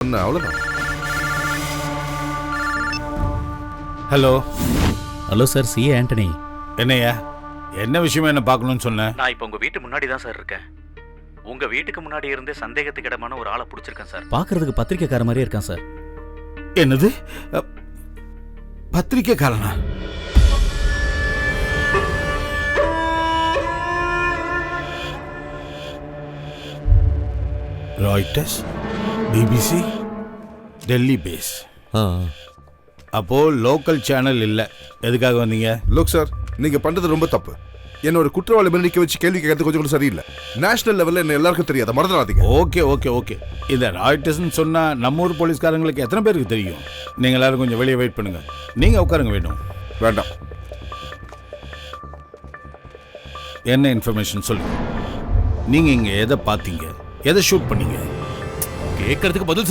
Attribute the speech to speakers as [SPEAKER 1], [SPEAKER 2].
[SPEAKER 1] சொன்னேன், அவ்வளவுதான்.
[SPEAKER 2] Hello
[SPEAKER 3] hello sir, C Antony.
[SPEAKER 2] என்னையா, என்ன விஷயமா என்ன பார்க்கணும்னு சொன்னேன்?
[SPEAKER 3] நான் இப்போ உங்க வீட்டு முன்னாடி தான் சார் இருக்கேன். உங்க வீட்டுக்கு முன்னாடி இருந்தே சந்தேகத்துக்கு இடமான ஒரு ஆளை பிடிச்சிருக்கேன் சார். பார்க்கறதுக்கு பத்திரிக்கைக்கார மாதிரியே இருக்கான் சார்.
[SPEAKER 2] என்னது, பத்திரிக்கைக்காரனா? Reuters, BBC, Delhi base. அப்போ லோக்கல் சேனல் இல்லை. எதுக்காக வந்தீங்க?
[SPEAKER 1] லோக் சார், நீங்க பண்றது ரொம்ப தப்பு. என்ன ஒரு குற்றவாளி மேல நிக்க வச்சு கேள்வி கேட்கறது கொஞ்சம் கூட சரியில்லை. நேஷனல் லெவல்ல என்ன எல்லாருக்கும் தெரியாத மறந்துடாதீங்க.
[SPEAKER 2] Okay okay okay. இந்த ராய்டர்ஸ்னு சொன்னா நம்ம ஊர் போலீஸ்காரங்களுக்கு எத்தனை பேருக்கு தெரியும்? நீங்க எல்லாரும் கொஞ்சம் வெளியே வெயிட் பண்ணுங்க. நீங்க உட்காருங்க. வேண்டாம். என்ன இன்ஃபர்மேஷன் சொல்லுங்க. நீங்க இங்க எதை பார்த்தீங்க, எதை ஷூட் பண்ணீங்க?
[SPEAKER 3] கேட்கறதுக்கு பதில்